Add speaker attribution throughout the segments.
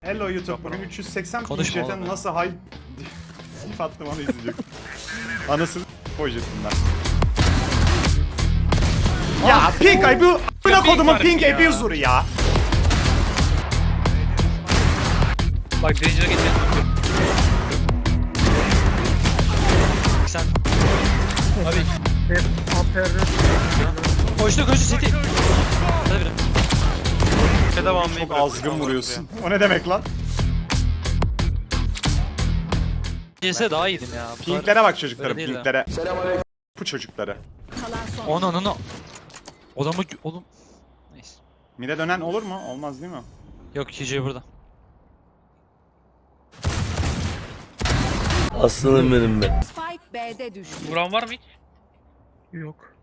Speaker 1: Hello YouTube. Bugün 380
Speaker 2: Konuşma
Speaker 1: PC'den
Speaker 2: oğlum ya.
Speaker 1: nasıl hay... Sif attım onu izleyecek. Anasını projesinden. Ya pink ay bu a**ına kodumun pink abuser'ı ya.
Speaker 3: Bak Danger'a geçelim.
Speaker 2: Sen
Speaker 3: Abi
Speaker 2: koştu City. Hadi biri.
Speaker 1: Çok azgın vuruyorsun. O ne demek lan?
Speaker 2: CS daha iyiydim ya. Bu kadar-
Speaker 1: Pinklere bak çocuklarım,
Speaker 2: Öyle değil
Speaker 1: pinklere. Bu çocukları.
Speaker 2: Onu. Oğlum. Neyse.
Speaker 1: Mide dönen olur mu? Olmaz değil mi?
Speaker 2: Yok KJ burada.
Speaker 4: Aslanım benim be.
Speaker 5: Spike B'de düştü.
Speaker 3: vuran var mı hiç?
Speaker 6: Yok.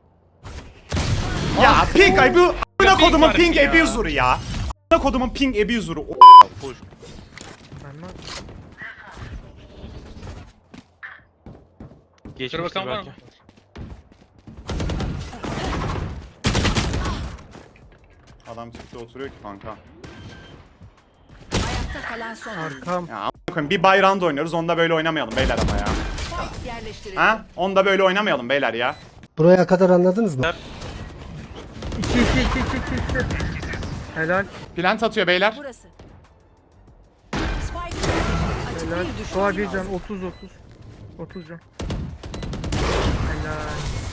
Speaker 1: Ya pink ay bu a**ına
Speaker 3: pink
Speaker 1: kodumun
Speaker 3: var
Speaker 1: pink
Speaker 3: ya.
Speaker 1: abuser'ı ya. A**ına kodumun pink abuser'ı.
Speaker 6: Ben var.
Speaker 3: Dur bakalım var mı?
Speaker 1: Adam çıktı oturuyor ki kanka.
Speaker 5: Ayakta kalan son oyuncu.
Speaker 6: Arkam.
Speaker 1: Ya a**ına koyayım, bir bayrağında oynuyoruz, onda böyle oynamayalım beyler ama ya.
Speaker 5: Spike yerleştirildi.
Speaker 1: Ha? Onda böyle oynamayalım beyler ya.
Speaker 7: Buraya kadar anladınız mı?
Speaker 6: 2. Helal.
Speaker 1: Plant atıyor beyler.
Speaker 5: Burası. Spike açık
Speaker 6: Helal.
Speaker 5: bir düşman
Speaker 6: Doğa bir
Speaker 5: kaldı.
Speaker 6: can. 30 can. Helal.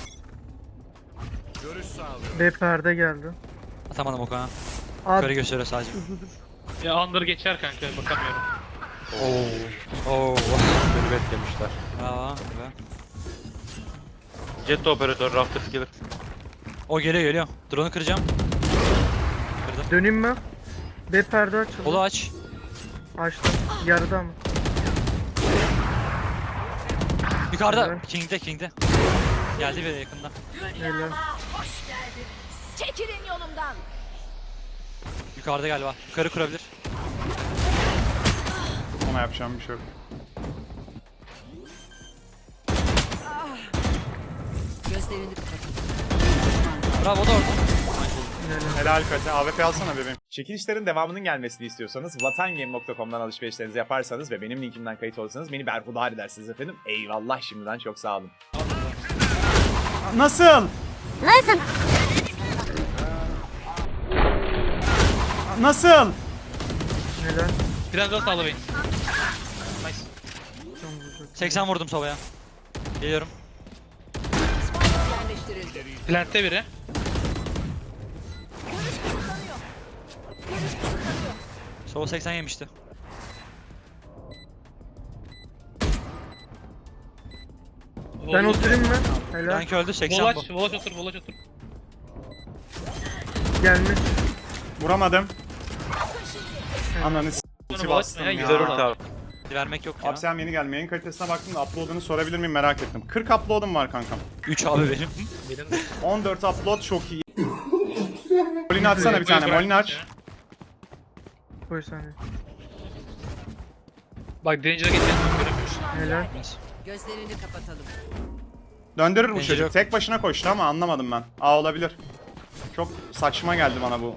Speaker 6: B perde geldi.
Speaker 2: Atamadım o kadar.
Speaker 6: At.
Speaker 2: Yukarı gösteriyor sadece.
Speaker 3: Ya Under geçer kanka bakamıyorum.
Speaker 2: Oo.
Speaker 8: Velvet demişler.
Speaker 2: Bravo.
Speaker 8: Jet operatör Raptors gelir.
Speaker 2: O geliyor. Drone'u kıracağım. Kırdım.
Speaker 6: Döneyim mi? B perde açıldı.
Speaker 2: Kolu aç.
Speaker 6: Açtım. Yarıda mı?
Speaker 2: Yukarıda.
Speaker 6: Evet.
Speaker 2: King'de. Geldi biri yakında.
Speaker 6: Helal.
Speaker 5: Çekilin yolumdan.
Speaker 2: Yukarıda galiba. Yukarı kurabilir.
Speaker 1: Ona yapacağım bir şey yok.
Speaker 5: Gözlerini kapatın.
Speaker 2: Bravo o da orada.
Speaker 1: Helal Kate. AWP alsana bebeğim. Çekilişlerin devamının gelmesini istiyorsanız vatangame.com'dan alışverişlerinizi yaparsanız ve benim linkimden kayıt olursanız beni berhudar edersiniz efendim. Eyvallah şimdiden çok sağ olun. Nasıl? Nasıl?
Speaker 6: Helal.
Speaker 3: Biraz daha sağla beni. Nice.
Speaker 6: Can vuracak.
Speaker 2: 80 vurdum sobaya. Geliyorum.
Speaker 5: Spike yerleştirildi.
Speaker 3: Plant'te biri.
Speaker 2: Sova 80 yemişti.
Speaker 6: Ben oturayım mı? Helal.
Speaker 2: Dank öldü 80 bu.
Speaker 3: Volaç otur.
Speaker 6: Gelmiş.
Speaker 1: Vuramadım. Ananı s***
Speaker 3: Sonra
Speaker 1: bastım
Speaker 3: Volaç
Speaker 1: ya.
Speaker 3: güzel orta.
Speaker 8: Abi.
Speaker 2: Vermek yok ya.
Speaker 1: Abi sen yeni geldin. Yayın kalitesine baktım da upload'unu sorabilir miyim merak ettim. 40 upload'um var kankam.
Speaker 2: 3 abi benim.
Speaker 3: Benim de.
Speaker 1: 14 upload çok iyi. Molini atsana bir tane. Molini aç.
Speaker 6: Koy saniye.
Speaker 3: Bak Danger'a geçelim.
Speaker 6: Helal.
Speaker 5: Gözlerini kapatalım.
Speaker 1: Döndürür bu
Speaker 2: Bence
Speaker 1: çocuk.
Speaker 2: yok.
Speaker 1: Tek başına koştu ama anlamadım ben. Aa olabilir. Çok saçma geldi bana bu.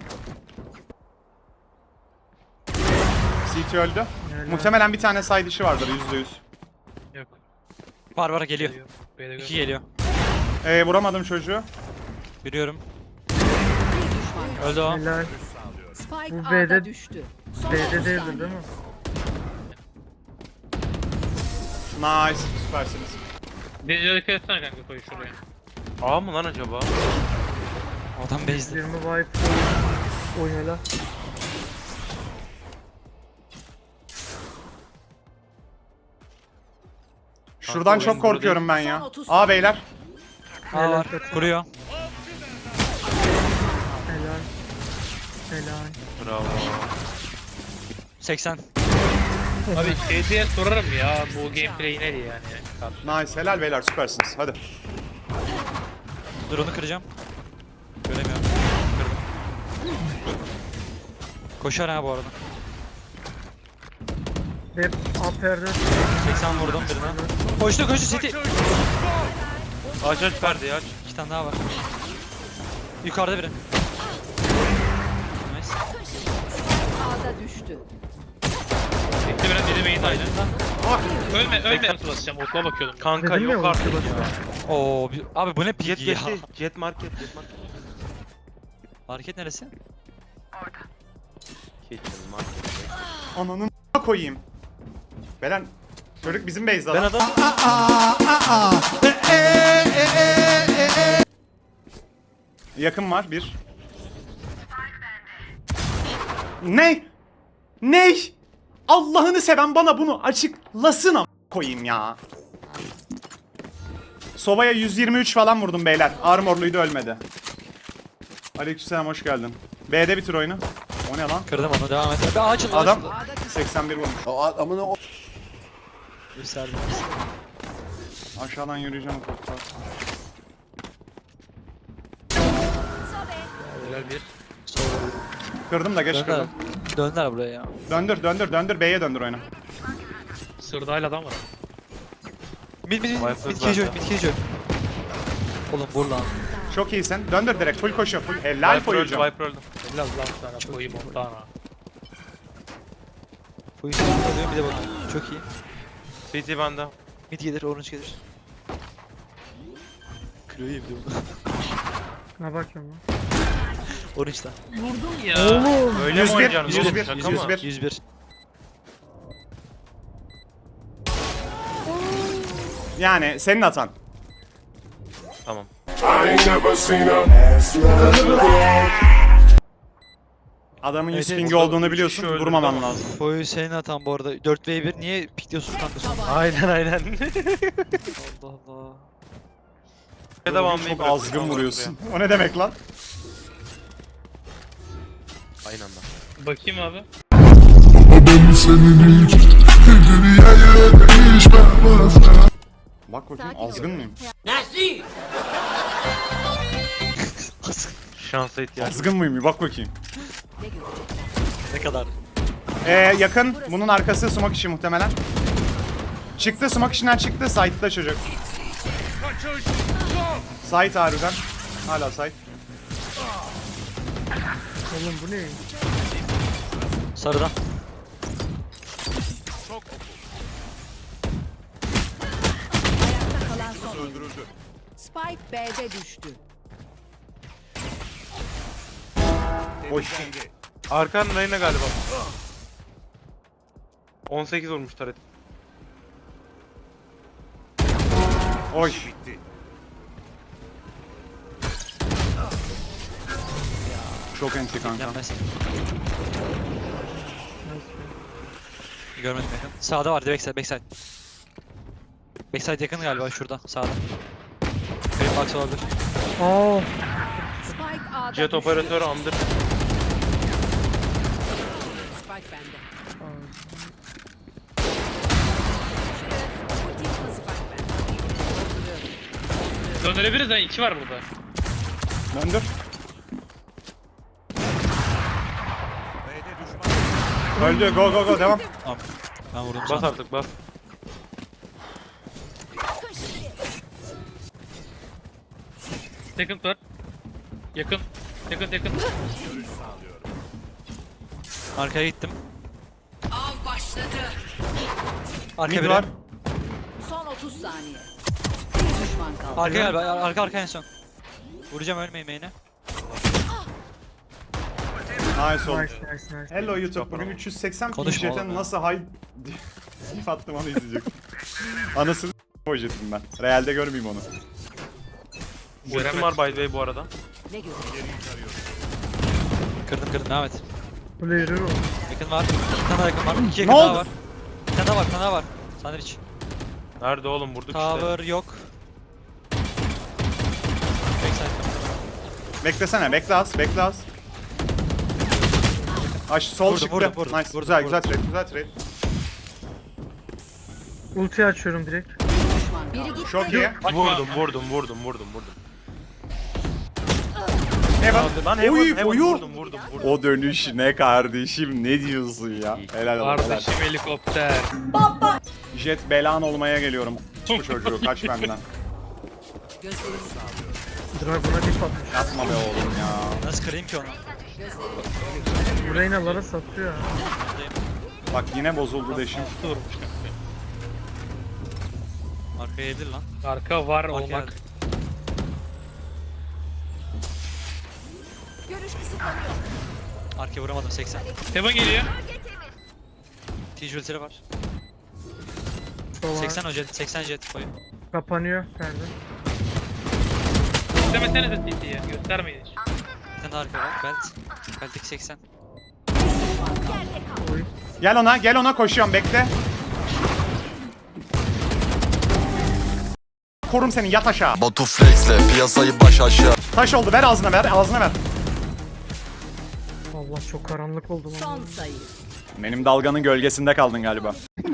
Speaker 1: CT öldü. Muhtemelen bir tane side işi vardır %100.
Speaker 3: Yok.
Speaker 2: Var geliyor.
Speaker 3: B'de
Speaker 2: 2 geliyor.
Speaker 1: Vuramadım çocuğu.
Speaker 2: Biliyorum.
Speaker 5: Bir düşman kaldı.
Speaker 2: Öldü o.
Speaker 6: Helal.
Speaker 5: Spike
Speaker 6: Bu
Speaker 5: A'da
Speaker 6: B'de-
Speaker 5: düştü. Son
Speaker 6: B'de
Speaker 5: 30
Speaker 6: değildir
Speaker 5: saniye.
Speaker 6: değil mi?
Speaker 1: Nice. Süpersiniz.
Speaker 3: Danger'a dikkat etsene kanka koy şuraya.
Speaker 8: A mı lan acaba?
Speaker 2: Adam base'di.
Speaker 6: 20 wipe. Oy helal.
Speaker 1: Şuradan
Speaker 8: oyun
Speaker 1: çok
Speaker 8: burada
Speaker 1: korkuyorum ben ya.
Speaker 5: Son 30
Speaker 1: Aa beyler.
Speaker 2: Aa var. Kuruyor.
Speaker 6: Helal. Helal.
Speaker 8: Bravo.
Speaker 2: 80.
Speaker 3: Abi diye sorarım ya bu gameplay ne diye yani.
Speaker 1: Nice. Helal beyler süpersiniz. Hadi.
Speaker 2: Drone'u kıracağım. Göremiyorum. Kırdım. Koşar ha bu arada.
Speaker 6: B A perde.
Speaker 2: 80 vurdum birine. Koştu City.
Speaker 8: Aç perdeyi aç.
Speaker 2: 2 tane daha var. Yukarıda biri. Nice.
Speaker 5: A'da düştü.
Speaker 3: Main aynı.
Speaker 1: Bak.
Speaker 3: Ölme nasıl basacağım? Okula bakıyordum.
Speaker 8: Kanka
Speaker 6: Dedim ya,
Speaker 8: yok artık
Speaker 6: ulti
Speaker 8: ya.
Speaker 6: basıyor.
Speaker 2: Oo abi bu ne
Speaker 8: Jet
Speaker 2: pik ya.
Speaker 8: geçti. Jet market.
Speaker 2: Market neresi?
Speaker 8: Kitchen market.
Speaker 1: Ananın koyayım. Belen çocuk bizim base'de
Speaker 8: Ben
Speaker 1: lan.
Speaker 8: adam
Speaker 1: Yakın var bir. Ne? Ne? Allah'ını seven bana bunu açıklasın am koyayım ya. Sobaya 123 falan vurdum beyler. Armorluydu ölmedi. Aleykümselam hoş geldin. B'de bitir oyunu. O ne lan?
Speaker 2: Kırdım onu devam et. Bir açıl
Speaker 1: Adam
Speaker 2: açıl.
Speaker 1: 81 vurmuş.
Speaker 2: Gösterdim.
Speaker 1: Aşağıdan yürüyeceğim.
Speaker 3: Helal bir.
Speaker 1: Kırdım da geç
Speaker 2: Döndüler.
Speaker 1: kırdım.
Speaker 2: Döndüler buraya ya.
Speaker 1: Döndür B'ye döndür oyunu.
Speaker 3: Sırda hala adam var.
Speaker 2: Mid
Speaker 8: Viper
Speaker 2: cage
Speaker 8: bende.
Speaker 2: mid cage. Oğlum vur lan.
Speaker 1: Çok iyisin. Döndür direkt full koşuyor full. Helal
Speaker 8: Viper öldü,
Speaker 1: koyacağım.
Speaker 8: Viper öldü.
Speaker 3: Helal lan sana koyayım Montana.
Speaker 2: Bu işi alıyorum bir de bak. Çok iyi.
Speaker 8: CT bende.
Speaker 2: Mid gelir, orange gelir. Kırıyor ya bir de bunu.
Speaker 6: Ne bakıyorum lan?
Speaker 2: Orange'da.
Speaker 3: Vurdum ya.
Speaker 6: Oğlum.
Speaker 8: Öyle mi
Speaker 1: 101,
Speaker 8: oynayacaksın?
Speaker 1: 101,
Speaker 8: oğlum? Şaka mı?
Speaker 1: 101.
Speaker 2: 101.
Speaker 1: Yani senin hatan.
Speaker 8: Tamam.
Speaker 1: Adamın 100
Speaker 2: Evet,
Speaker 1: pingi
Speaker 2: evet.
Speaker 1: olduğunu biliyorsun.
Speaker 8: Şöyle,
Speaker 1: Vurmaman
Speaker 8: tamam.
Speaker 1: lazım.
Speaker 2: Boyu senin hatan bu arada. 4v1 niye pikliyorsun kanka sonra?
Speaker 8: Aynen.
Speaker 2: Allah Allah.
Speaker 8: Devamlayıp
Speaker 1: Çok azgın vuruyorsun. O ne demek lan?
Speaker 8: Aynı anda.
Speaker 3: Bakayım abi.
Speaker 1: Bak bakayım
Speaker 5: Sakin ol.
Speaker 1: azgın mıyım?
Speaker 8: Şansa ihtiyaç.
Speaker 1: Azgın mıyım? Bir bak bakayım.
Speaker 5: Ne görecekler?
Speaker 2: Ne kadar?
Speaker 1: Yakın. Bunun arkası sumak işi muhtemelen. Çıktı sumak işinden çıktı. Side'da çocuk. Side harbiden. Hala side.
Speaker 6: Oğlum bu ne?
Speaker 2: Sarıdan.
Speaker 5: Ayakta kalan son. Spike B'de düştü.
Speaker 1: Oy.
Speaker 8: Arkan Reyna galiba. 18 olmuş taret.
Speaker 1: Oy. Çok enti kanka.
Speaker 2: Yenmez. Görmedim yakın. Sağda var backside backside. Backside yakın galiba şurada sağda. Green box olabilir.
Speaker 6: Aa.
Speaker 5: Spike A'da
Speaker 8: Jet
Speaker 5: düştü.
Speaker 8: operatörü amdır.
Speaker 5: Spike bende.
Speaker 3: Döndürebiliriz ha. 2 var burada.
Speaker 1: Döndür. Öldü. Go go go devam.
Speaker 2: Tamam. Ben vurdum
Speaker 8: Bas
Speaker 2: sana.
Speaker 8: artık bas.
Speaker 3: Second var. Yakın. Yakın.
Speaker 2: Arkaya gittim.
Speaker 5: Av başladı.
Speaker 2: Arka
Speaker 1: Mid
Speaker 2: biri.
Speaker 1: var.
Speaker 5: Son 30 saniye. Bir düşman kaldı.
Speaker 2: Arka galiba. Arka en son. Vuracağım ölmeyin main'e.
Speaker 1: Nice oldu.
Speaker 6: Nice nice nice.
Speaker 1: Hello YouTube. Bugün 380
Speaker 2: Konuşma
Speaker 1: jetten
Speaker 2: oğlum ya.
Speaker 1: nasıl hay Gif attım onu izleyecek. Anasını o jetim ben. Realde görmeyeyim onu.
Speaker 8: Ultim var by the way bu arada.
Speaker 5: Ne görecekler?
Speaker 2: Kırdım devam et.
Speaker 6: Bu ne yürüyor?
Speaker 2: Yakın var. Bir tane daha yakın var. İki yakın
Speaker 1: Ne
Speaker 2: daha
Speaker 1: oldu?
Speaker 2: var. Bir tane daha var. Sandwich.
Speaker 8: Nerede oğlum vurduk
Speaker 2: Tower yok. Backside.
Speaker 1: Beklesene. Bekle az. Aş sol
Speaker 2: Vurdum,
Speaker 1: çıktı.
Speaker 2: vurdum,
Speaker 1: Nice.
Speaker 2: vurdum,
Speaker 1: Güzel
Speaker 2: vurdum.
Speaker 1: trade.
Speaker 6: Ulti açıyorum direkt.
Speaker 5: Düşman biri gitti.
Speaker 1: Çok iyi.
Speaker 8: işte. Vurdum.
Speaker 1: Heaven.
Speaker 8: Lan
Speaker 1: Oy,
Speaker 8: heaven
Speaker 1: oyu.
Speaker 8: vurdum.
Speaker 1: O dönüş ne kardeşim ne diyorsun ya? Helal olsun. helal.
Speaker 3: Kardeşim helikopter.
Speaker 1: Jet belan olmaya geliyorum. Bu çocuğu kaç benden.
Speaker 5: Gözlerini
Speaker 6: Dragon'a dip atmış.
Speaker 1: Yapma be oğlum ya.
Speaker 2: Nasıl kırayım ki onu?
Speaker 6: Bu Reynalara satıyor ha.
Speaker 1: Bak yine bozuldu deşim.
Speaker 3: Altı vurmuş kanka.
Speaker 2: Arkaya yedir lan.
Speaker 3: Arka var
Speaker 2: Arkaya
Speaker 3: olmak.
Speaker 2: yedir.
Speaker 5: Görüş kısıtlanıyor.
Speaker 2: Arkaya vuramadım 80.
Speaker 3: Heaven geliyor.
Speaker 2: T-Jewel'leri var.
Speaker 6: Sola
Speaker 2: 80 jet, 80 jet koyun.
Speaker 6: kapanıyor perde.
Speaker 3: İstemesene de CT'ye. Göstermeyin hiç.
Speaker 2: Bir tane daha arka var. Belt. Belt'teki 80.
Speaker 6: Oy.
Speaker 1: Gel ona koşuyorum bekle. Korum seni yat aşağı.
Speaker 4: Batu Flex'le piyasayı baş aşağı.
Speaker 1: Taş oldu ver ağzına ver.
Speaker 6: Allah çok karanlık oldu lan.
Speaker 5: Son sayı.
Speaker 1: Benim dalganın gölgesinde kaldın galiba.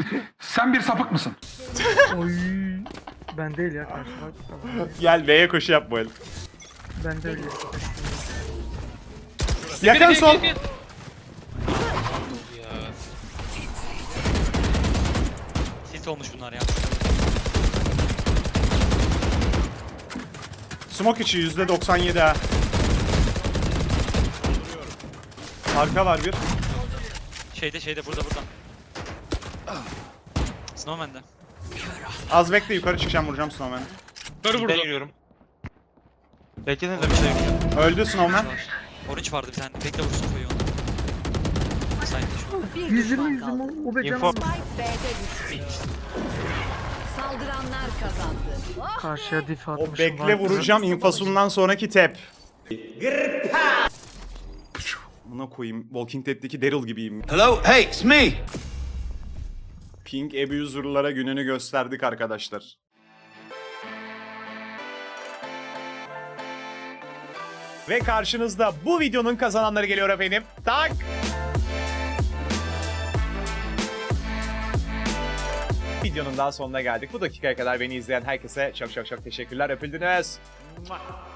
Speaker 6: Oy. Ben değil ya karşı bak.
Speaker 1: Gel B'ye koşu yap bu el.
Speaker 6: Ben de öyle.
Speaker 1: Yakın sol.
Speaker 3: Ya.
Speaker 2: Tilt olmuş bunlar ya.
Speaker 1: Smoke içi %97 ha. Arka var bir.
Speaker 2: Şeyde burada. Snowman'de.
Speaker 1: Az bekle yukarı çıkacağım vuracağım Snowman'ı.
Speaker 3: Kör
Speaker 8: Ben
Speaker 3: vurdu.
Speaker 8: yürüyorum. Beklesenize bir şey yok.
Speaker 1: Öldü Snowman.
Speaker 2: Var. Orange vardı bir tane. Bekle vursun koyu onu. Sayın şu an.
Speaker 5: Bir
Speaker 6: 120
Speaker 5: düşman kaldı.
Speaker 6: o be
Speaker 8: Info.
Speaker 6: canım.
Speaker 5: Spike B'de düştü. Saldıranlar kazandı.
Speaker 6: Karşıya dif
Speaker 1: O
Speaker 6: atmışım.
Speaker 1: bekle
Speaker 6: var.
Speaker 1: vuracağım infosundan sonraki tep. Buna koyayım. Walking Dead'deki Daryl gibiyim.
Speaker 9: Hello, hey, it's me.
Speaker 1: Pink abuser'lara gününü gösterdik arkadaşlar. Ve karşınızda bu videonun kazananları geliyor efendim. Tak! Videonun daha sonuna geldik. Bu dakikaya kadar beni izleyen herkese çok teşekkürler. Öpüldünüz.